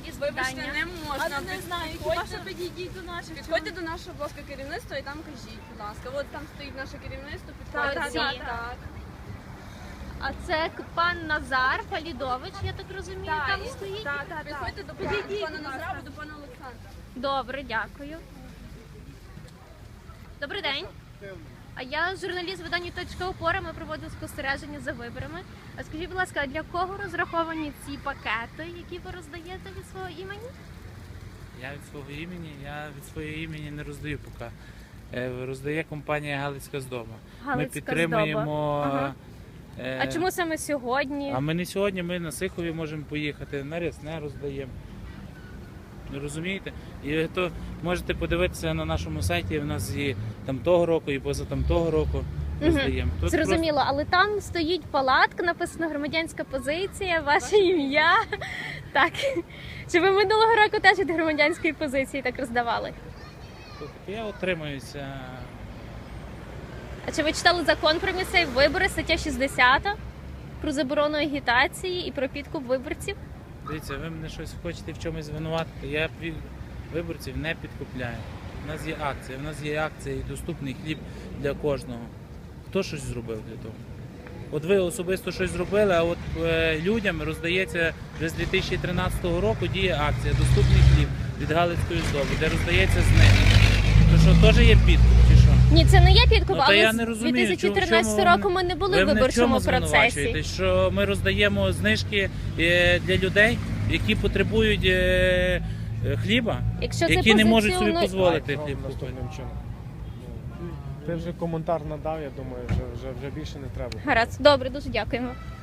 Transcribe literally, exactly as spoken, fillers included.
якісь Вибачте, питання? не можна. А не знаю, хіба Підходьте- що підійдіть до наших. Підходьте до нашого блока керівництва і там кажіть, будь ласка. От там стоїть наше керівництво, підходьте. Так, Так, так, так. А це пан Назар Фалідович, я так розумію, там і- стоїть? Так, так, підходьте до пана, до пана Назара або до пана Олександра. Добре, дякую. Добрий день. А я журналіст видання «Точка опора», ми проводимо спостереження за виборами. А скажіть, будь ласка, а для кого розраховані ці пакети, які ви роздаєте від свого імені? Я від свого імені, я від свого імені не роздаю поки. Е, Роздає компанія Галицька здоба. Ми Галицька підтримуємо. здоба. Ага. е, А чому саме сьогодні? А ми не сьогодні, ми на Сихові можемо поїхати, на Рясне роздаємо. Ви розумієте? І то можете подивитися на нашому сайті, в нас і там того року, і поза там того року роздаємо. Тут Зрозуміло, але там стоїть палатка, написано громадянська позиція, ваше ім'я. Так. Чи ви минулого року теж від громадянської позиції так роздавали? просто- Я отримуюся. А чи ви читали закон про місцеві вибори, стаття шістдесят, про заборону агітації і про підкуп виборців? Дивіться, ви мене щось хочете в чомусь звинуватити. Я пі- виборців не підкупляю. У нас є акція, у нас є акція і доступний хліб для кожного. Хто щось зробив для того? От ви особисто щось зробили, а от е, людям роздається вже з дві тисячі тринадцятого року діє акція «Доступний хліб» від Галицької здоби, де роздається знижка. То що, теж є підкуп чи що? Ні, це не є підкуп, Ну, та але я з не розумію, дві тисячі тринадцятого чому- року ми не були Ви в мене в виборчому чому процесі. звинувачуєте? Що ми роздаємо знижки е, для людей, які потребують е, е, хліба, Якщо це які не можуть собі позиціонує- дозволити Так, хліб ровно купити. наступним чином. Ти вже коментар надав, я думаю, вже, вже, вже більше не треба. Гаразд, добре, дуже дякуємо.